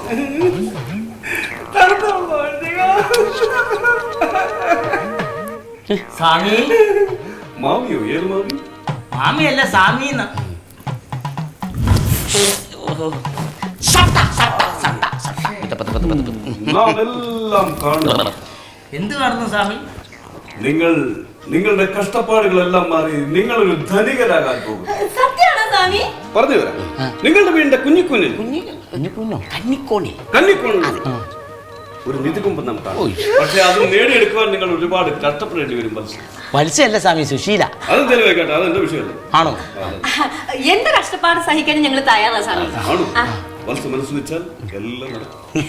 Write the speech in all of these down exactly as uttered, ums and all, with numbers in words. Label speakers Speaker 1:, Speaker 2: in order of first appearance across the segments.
Speaker 1: സ്വാമി
Speaker 2: മാമിയോ? ഏത് മാമി?
Speaker 1: മാമിയല്ല സ്വാമി. എന്ത് കാണുന്നു സ്വാമി?
Speaker 2: നിങ്ങൾ നിങ്ങളുടെ കഷ്ടപ്പാടുകളെല്ലാം മാറി നിങ്ങളൊരു ധനികരാകാൻ പോകും. പറഞ്ഞു തരാം. നിങ്ങളുടെ വീടിന്റെ കുഞ്ഞിക്കുഞ്ഞിൽ
Speaker 1: കന്നിക്കോണി
Speaker 2: കന്നിക്കോണി ഒരു നിധികുമ്പം നാം കാണും. പക്ഷെ അത് നേടിയെടുക്കുവാൻ നിങ്ങൾ ഒരുപാട് കഷ്ടപ്പെടേണ്ടി വരും.
Speaker 1: മത്സ്യമല്ല സ്വാമി, സുശീല.
Speaker 2: അതും തെളിവായിക്കട്ടെ, അതെന്റെ വിഷയമല്ല.
Speaker 1: ആണോ?
Speaker 3: എന്റെ കഷ്ടപ്പാട് സഹിക്കാൻ ഞങ്ങൾ തയ്യാറാണ് സ്വാമി.
Speaker 2: ആണോ? മനസ്സ് മനസ്സ് വെച്ചാൽ എല്ലാം നടക്കും.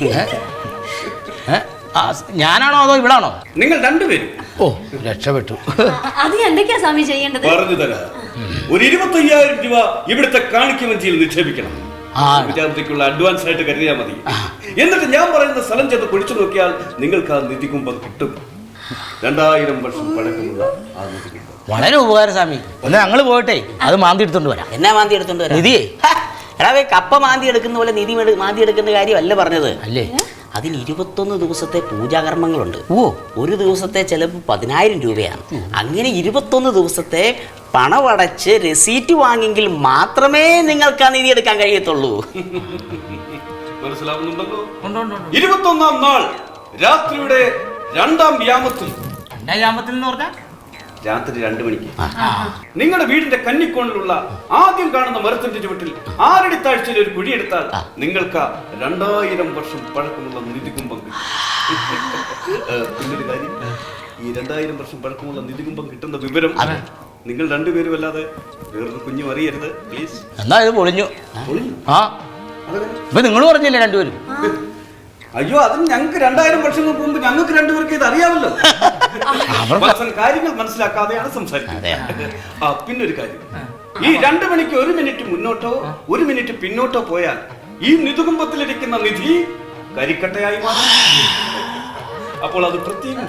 Speaker 1: ഞാനാണോ അതോ ഇവിടാണോ?
Speaker 2: നിങ്ങൾ രണ്ടുപേരും.
Speaker 1: ഓ, രക്ഷപ്പെട്ടു.
Speaker 3: അത് എന്തൊക്കെയാ സ്വാമി ചെയ്യേണ്ടത്?
Speaker 2: പറഞ്ഞു തരാം. ഒരു ഇരുപത്തി അയ്യായിരം രൂപ ഇവിടുത്തെ കാണിക്കവഞ്ചിയിൽ നിക്ഷേപിക്കണം. വിചാരത്തേക്കുള്ള അഡ്വാൻസ് ആയിട്ട് കരുതിയാൽ മതി. എന്നിട്ട് ഞാൻ പറയുന്ന സ്ഥലം ചെന്ന് കുഴിച്ചു നോക്കിയാൽ നിങ്ങൾക്ക് ആ നിധികുംഭം കിട്ടും. രണ്ടായിരം വർഷം പഴക്കമുള്ള ആ നിധികുംഭം.
Speaker 1: വളരെ ഉപകാരം സ്വാമി. ഒന്ന് ഞങ്ങള് പോയിട്ടെ അത് മാന്തി എടുത്തോണ്ട് വരാം.
Speaker 4: എന്നാ മാന്തി എടുത്തോണ്ട് വരാം?
Speaker 1: നിധിയെ
Speaker 4: എടാവേ, കപ്പ മാന്തി എടുക്കുന്ന പോലെ നിധി മാന്തി എടുക്കുന്ന കാര്യമല്ല പറഞ്ഞത്.
Speaker 1: അല്ലേ?
Speaker 4: അതിന് ഇരുപത്തൊന്ന് ദിവസത്തെ പൂജാകർമ്മങ്ങളുണ്ട്. ഓ, ഒരു ദിവസത്തെ ചിലപ്പോൾ പതിനായിരം രൂപയാണ്. അങ്ങനെ ഇരുപത്തൊന്ന് ദിവസത്തെ പണമടച്ച് രസീറ്റ് വാങ്ങിയെങ്കിൽ മാത്രമേ നിങ്ങൾക്ക് ആ നിധി എടുക്കാൻ കഴിയത്തുള്ളൂ.
Speaker 2: മനസ്സിലാവുന്നുണ്ടല്ലോ? ഇരുപത്തൊന്നാം നാൾ രാത്രിയുടെ രണ്ടാം യാമത്തിൽ.
Speaker 1: യാമത്തിൽ എന്ന് പറഞ്ഞാൽ
Speaker 2: രാത്രി രണ്ടു മണിക്ക് നിങ്ങളുടെ വീടിന്റെ കന്നിക്കോണിലുള്ള ആദ്യം കാണുന്ന മരത്തിന്റെ ചുവട്ടിൽ ആറടി താഴ്ചയിൽ ഒരു കുഴിയെടുത്താൽ നിങ്ങൾക്ക് രണ്ടായിരം വർഷം പഴക്കമുള്ള നിധികുംഭം കിട്ടും. പിന്നൊരു കാര്യം, ഈ രണ്ടായിരം വർഷം പഴക്കമുള്ള നിധികുംഭം കിട്ടുന്ന വിവരം നിങ്ങൾ രണ്ടുപേരും അല്ലാതെ വേറൊരു കുഞ്ഞും അറിയരുത്, പ്ലീസ്.
Speaker 1: എന്നാ ഇത് പൊളിഞ്ഞു. ആ, ഇപ്പൊ നിങ്ങൾ പറഞ്ഞില്ലേ രണ്ടുപേരും?
Speaker 2: അയ്യോ, അതിന് ഞങ്ങൾക്ക് രണ്ടായിരം വർഷങ്ങൾക്ക് മുമ്പ് ഞങ്ങൾക്ക് രണ്ടുപേർക്ക് ഇത് അറിയാമല്ലോ. കാര്യങ്ങൾ മനസ്സിലാക്കാതെയാണ് സംസാരിക്കുന്നത്. ആ, പിന്നൊരു കാര്യം, ഈ രണ്ടു മണിക്ക് ഒരു മിനിറ്റ് മുന്നോട്ടോ ഒരു മിനിറ്റ് പിന്നോട്ടോ പോയാൽ ഈ നിധികുംഭത്തിലിരിക്കുന്ന നിധി കരിക്കട്ടയായി മാറും. അപ്പോൾ അത് പ്രത്യേകം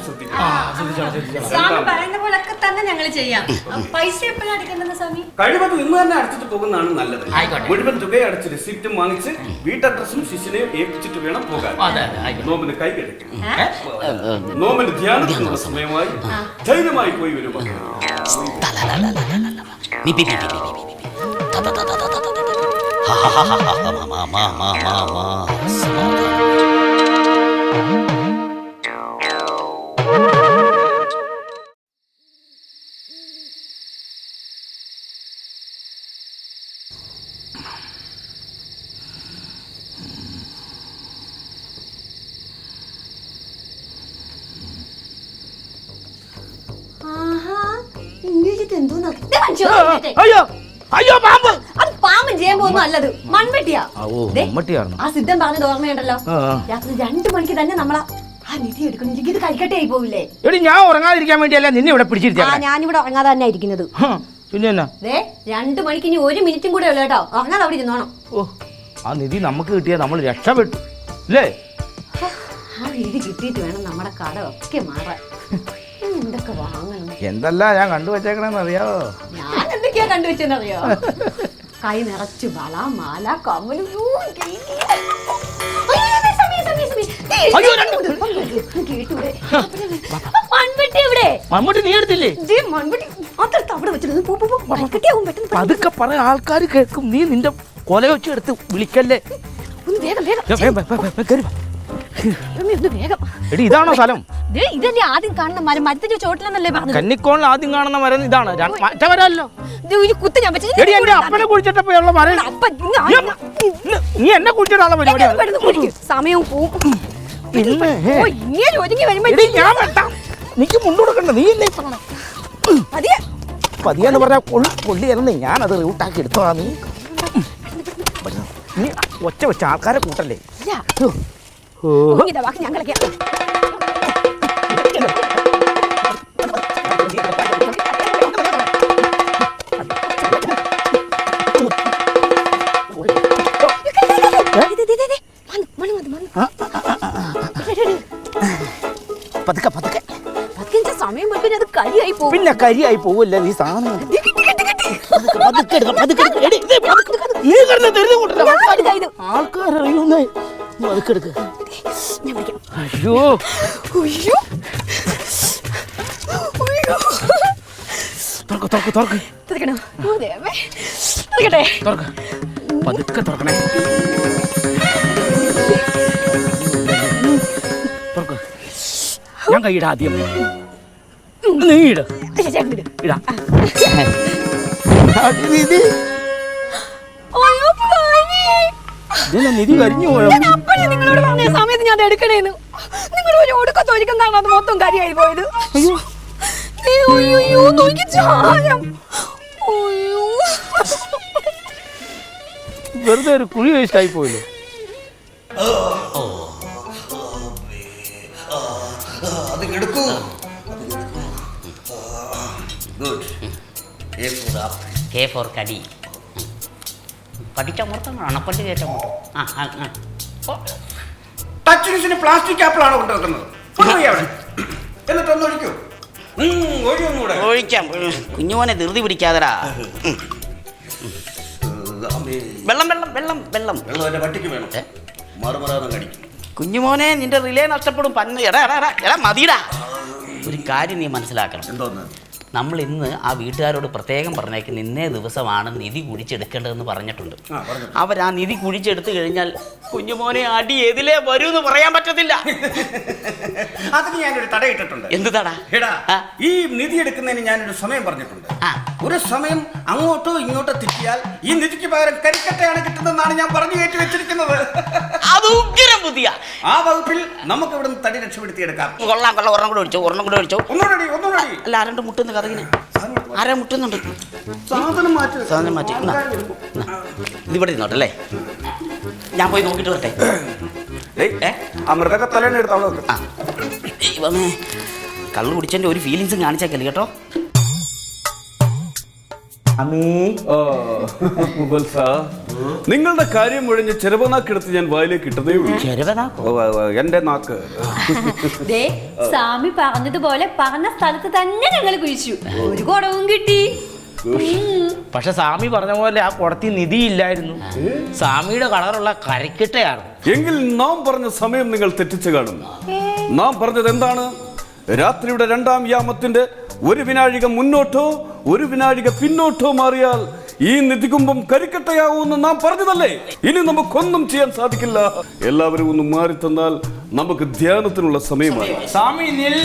Speaker 2: കഴിവത് ഇന്ന് തന്നെ അടച്ചിട്ട് പോകുന്നതാണ് നല്ലത്. മുഴുവൻ തുക അടച്ച് റിസിപ്റ്റും വാങ്ങിച്ച് വീട്ടഡ്രസ്സും ശിശുവിനെ ഏൽപ്പിച്ചിട്ട് വേണം പോകാൻ. നോമിന് കൈ കിടക്കും. നോമിന് ധ്യാനത്തിനുള്ള സമയമായി ധൈര്യമായി പോയി വരും.
Speaker 1: അയ്യോ അയ്യോ, പാമ്പ്!
Speaker 3: അത് പാമ്പും ചേമ്പൊന്നും അല്ലത്, മൺവെട്ടിയാ. ആ സിദ്ധൻ പറഞ്ഞത് ഓർമ്മയുണ്ടല്ലോ, രാത്രി രണ്ടു മണിക്ക് തന്നെ നമ്മളാ ആ നിധി എടുക്കണമെങ്കിൽ ഇത് കഴിക്കട്ടെ ആയി പോവില്ലേ?
Speaker 1: എടി, ഞാൻ ഉറങ്ങാതിരിക്കാൻ വേണ്ടിയല്ല നിന്നെ ഇവിടെ പിടിച്ചിരിക്കാ.
Speaker 3: ഞാനിവിടെ ഉറങ്ങാതെ തന്നെ ഇരിക്കുന്നത്.
Speaker 1: പിന്നെ
Speaker 3: രണ്ടു മണിക്ക് ഇനി ഒരു മിനിറ്റും കൂടെ ഉള്ളു കേട്ടോ. ഉറങ്ങാതെ അവിടെ ഇരുന്നോണം.
Speaker 1: ഓ, ആ നിധി നമുക്ക് കിട്ടിയാ നമ്മൾ രക്ഷപ്പെട്ടു അല്ലേ?
Speaker 3: ആ നിധി കിട്ടിയിട്ട് വേണം നമ്മുടെ കട ഒക്കെ മാറാൻ. എന്തൊക്കെ വാങ്ങണം?
Speaker 1: എന്തല്ല ഞാൻ കണ്ടുവച്ചേക്കണെന്ന് അറിയാവോ?
Speaker 3: ഞാൻ എന്തൊക്കെയാ കണ്ടുവച്ചെന്നറിയോ? കൈ നിറച്ചു വള, മാല, കമ്മല്.
Speaker 1: മൺവെട്ടി നീ എടുത്തില്ലേ? പതുക്കെ പറ, ആൾക്കാർ കേൾക്കും. നീ നിന്റെ കൊല വെച്ച് എടുത്ത് വിളിക്കല്ലേ. എടി, ഇതാണോ സ്ഥലം?
Speaker 3: ഇതല്ലേ ആദ്യം കാണുന്ന മരം, മരത്തിന്റെ ചോട്ടിലെന്നല്ലേ പറഞ്ഞു?
Speaker 1: കന്നിക്കോണിൽ ആദ്യം കാണുന്ന മരം ഇതാണ്. മറ്റേ മരമല്ലോ.
Speaker 3: എടി,
Speaker 1: എന്റെ അപ്പനെ കുഴിച്ചിട്ടപ്പോഴുള്ള മരം. നീ എന്നെ കുഴിച്ചിട്ടാണോ പരിപാടി?
Speaker 3: സമയവും പോവും.
Speaker 1: നീക്ക് മുണ്ടുകൊടുക്കണ്ട. നീ ഇല്ലേ പതിയെന്ന് പറഞ്ഞാൽ കൊള്ളിയായിരുന്നു. ഞാനത് റൂട്ടാക്കി എടുത്തോളാം. നീ നീ ഒച്ച വെച്ച ആൾക്കാരെ കൂട്ടല്ലേ?
Speaker 3: ഞാൻ കളിക്കാം.
Speaker 1: പതുക്കെ പതുക്കെ
Speaker 3: സമയം അത് കരിയായി പോകും.
Speaker 1: പിന്നെ കരിയായി പോവല്ലേ നീ സാധനം. ആൾക്കാരറിയുന്നേ അതൊക്കെടുക്ക്.
Speaker 3: ഞാൻ പിടിക്കാം.
Speaker 1: അയ്യോ
Speaker 3: ഉയ്യോ. ഉയ്യോ.
Speaker 1: തുറക്ക് തുറക്ക് തുറക്ക്
Speaker 3: തുറക്കണോ? ഓ ദൈവമേ. തുറക്കട്ടെ.
Speaker 1: തുറക്ക്. പതുക്കെ തുറക്കണേ. തുറക്ക്. ഞാൻ കൈയിട ആദ്യം. നീ ഇട. ഇടാ.
Speaker 3: അയ്യോ പനി.
Speaker 1: ഇതിനെ നിധി കരിഞ്ഞു പോയോ?
Speaker 3: ഞാൻ അപ്പഴേ നിങ്ങളോട് പറഞ്ഞ സമയത്ത് ഞാൻ അത് എടുക്കണേന്ന്. നിങ്ങൾ ഒരു ഒടുക്കത്ത് ഒരിക്കുന്നതാണ് അത് മൊത്തം കരിയായി പോയത്. അയ്യോ അയ്യോ നോക്കി ചായം. അയ്യോ
Speaker 1: വെറുതെ ഒരു കുഴി വേസ്റ്റ് ആയി പോയല്ലോ.
Speaker 2: എടുക്കൂ.
Speaker 4: കെ ഫോർ കടി. കടിച്ചമർത്തണം, അണപ്പല്ല് കയറ്റമോ. ആ ആ ആ
Speaker 2: ടച്ചിന് പ്ലാസ്റ്റിക് ആപ്പിളാണ് കൊണ്ടുവെക്കുന്നത്. എന്നിട്ടൊന്ന് ഒഴിക്കൂ.
Speaker 4: ഒഴിക്കാം. കുഞ്ഞുമോനെ ധൃതി പിടിക്കാതടാ. വെള്ളം വെള്ളം വെള്ളം വെള്ളം
Speaker 2: വെള്ളം എന്റെ പട്ടിക്ക് വേണം. മറുമറാന്ന് കടിക്കും.
Speaker 4: കുഞ്ഞുമോനെ നിന്റെ റിലേ നഷ്ടപ്പെടും. പന്ന എടാ എടാ എടാ എടാ മതിടാ. ഒരു കാര്യം നീ മനസ്സിലാക്കണം.
Speaker 2: എന്തോന്ന്?
Speaker 4: നമ്മൾ ഇന്ന് ആ വീട്ടുകാരോട് പ്രത്യേകം പറഞ്ഞേക്കുന്ന ഇന്നേ ദിവസമാണ് നിധി കുഴിച്ചെടുക്കേണ്ടതെന്ന് പറഞ്ഞിട്ടുണ്ട്. അവർ ആ നിധി കുഴിച്ചെടുത്തു കഴിഞ്ഞാൽ കുഞ്ഞുമോനെ അടി എതിലേ വരൂ എന്ന് പറയാൻ പറ്റത്തില്ല.
Speaker 2: അതിന് ഞാനൊരു തടയിട്ടിട്ടുണ്ട്.
Speaker 4: എന്ത് തടാ?
Speaker 2: എടാ, ഈ നിധി എടുക്കുന്നതിന് ഞാനൊരു സമയം പറഞ്ഞിട്ടുണ്ട്. ഒരു സമയം അങ്ങോട്ടോ ഇങ്ങോട്ടോ തെറ്റിയാൽ ഈ നിധിക്ക് പകരം കരിക്കട്ടയാണ് കിട്ടുന്നതെന്നാണ് ഞാൻ പറഞ്ഞു കയറ്റി വെച്ചിരിക്കുന്നത്.
Speaker 4: അത് ഉഗ്രം ബുദ്ധിയ.
Speaker 2: ആ വകുപ്പിൽ നമുക്ക് ഇവിടുന്ന് തടി രക്ഷപ്പെടുത്തിയെടുക്കാം.
Speaker 4: കൊള്ളാം കൊള്ളാം. ഒരെണ്ണം കൂടെ ഒഴിച്ചോ, ഒരെണ്ണം കൂടെ ഒഴിച്ചോ.
Speaker 2: ഒന്നുകൂടി ഒന്നുകൂടി.
Speaker 4: അല്ല ആരണ്ട് മുട്ടുന്ന കഥകിന് ആരാ മുട്ടുന്നുണ്ട്?
Speaker 2: സാധനം മാറ്റി
Speaker 4: സാധനം മാറ്റി. ഇതിവിടെ ഇരുന്നോട്ടല്ലേ, ഞാൻ പോയി നോക്കിട്ട് വരട്ടെ.
Speaker 2: ആ മൃഗത്തെ തലേന്ന് എടുത്തോളൂ.
Speaker 4: ആ ഇവമേ കള്ളു കുടിച്ചതിന്റെ ഒരു ഫീലിങ്സും കാണിച്ചേക്കല്ലേ കേട്ടോ.
Speaker 2: നിങ്ങളുടെ കാര്യം ഒഴിഞ്ഞ് ചെറുപനാക്കെടുത്ത് ഞാൻ വായിലേക്ക് ഇട്ടതേ ഉള്ളൂ. എന്റെ നാക്ക്.
Speaker 3: ദേ സ്വാമി പറഞ്ഞതുപോലെ പറഞ്ഞ സ്ഥലത്ത് തന്നെ ഞങ്ങൾ കുഴിച്ചു. ഒരു കുടവും കിട്ടി.
Speaker 1: പക്ഷെ സ്വാമി പറഞ്ഞ പോലെ ആ കുടത്തിൽ നിധി ഇല്ലായിരുന്നു. സ്വാമിയുടെ കളറുള്ള കരക്കിട്ടയാണ്.
Speaker 2: എങ്കിൽ നാം പറഞ്ഞ സമയം നിങ്ങൾ തെറ്റിച്ചു കാണുന്നു. നാം പറഞ്ഞത് എന്താണ്? രാത്രിയുടെ രണ്ടാം യാമത്തിന്റെ ഒരു വിനാഴിക മുന്നോട്ടോ ഒരു വിനാഴിക പിന്നോട്ടോ മാറിയാൽ ഈ നിധികുംഭം കരിക്കട്ടയാവുമെന്ന് നാം പറഞ്ഞതല്ലേ? ഇനി നമുക്കൊന്നും ചെയ്യാൻ സാധിക്കില്ല. എല്ലാവരും ഒന്ന് മാറി തന്നാൽ നമുക്ക് ധ്യാനത്തിനുള്ള സമയമായി.
Speaker 1: സ്വാമി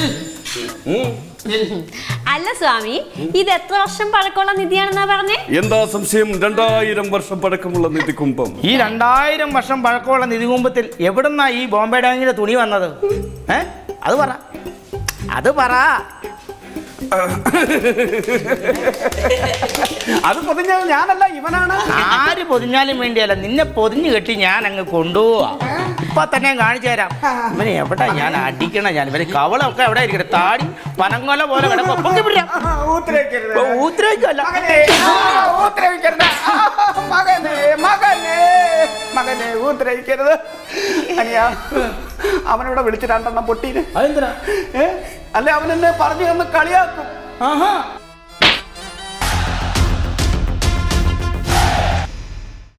Speaker 3: അല്ല സ്വാമി, ഇത് എത്ര വർഷം പഴക്കമുള്ള നിധിയാണെന്നാ പറഞ്ഞേ?
Speaker 2: എന്താ സംശയം? രണ്ടായിരം വർഷം പഴക്കമുള്ള നിധികുംഭം.
Speaker 1: ഈ രണ്ടായിരം വർഷം പഴക്കമുള്ള നിധികുംഭത്തിൽ എവിടുന്നാ ഈ ബോംബെ ഡാങ്ങിന്റെ തുണി വന്നത്? ഏ അത് പറ, അത് പറ.
Speaker 2: അത് പൊതിഞ്ഞത് ഞാനല്ല, ഇവനാണ്.
Speaker 1: ആര് പൊതിഞ്ഞാലും വേണ്ടിയല്ല, നിന്നെ പൊതിഞ്ഞു കെട്ടി ഞാൻ അങ്ങ് കൊണ്ടുപോവാ. ഇപ്പൊ തന്നെ കാണിച്ചു തരാം. ഇവനെ എവിടെ ഞാൻ അടിക്കണം. ഞാൻ ഇവന് കവളൊക്കെ എവിടെ ഇരിക്കട്ടെ. താടി പനങ്ങോല പോലെ ഊത്രയ്ക്കല്ല.
Speaker 2: മകനെ ഊത്രയിക്കരുത്. അവനോടെ വിളിച്ച് രണ്ടെണ്ണം പൊട്ടീന്.
Speaker 1: അതെന്തിനാ?
Speaker 2: അല്ലെ അവനെന്നെ പറഞ്ഞു തന്ന് കളിയാക്കും.
Speaker 1: ആഹാ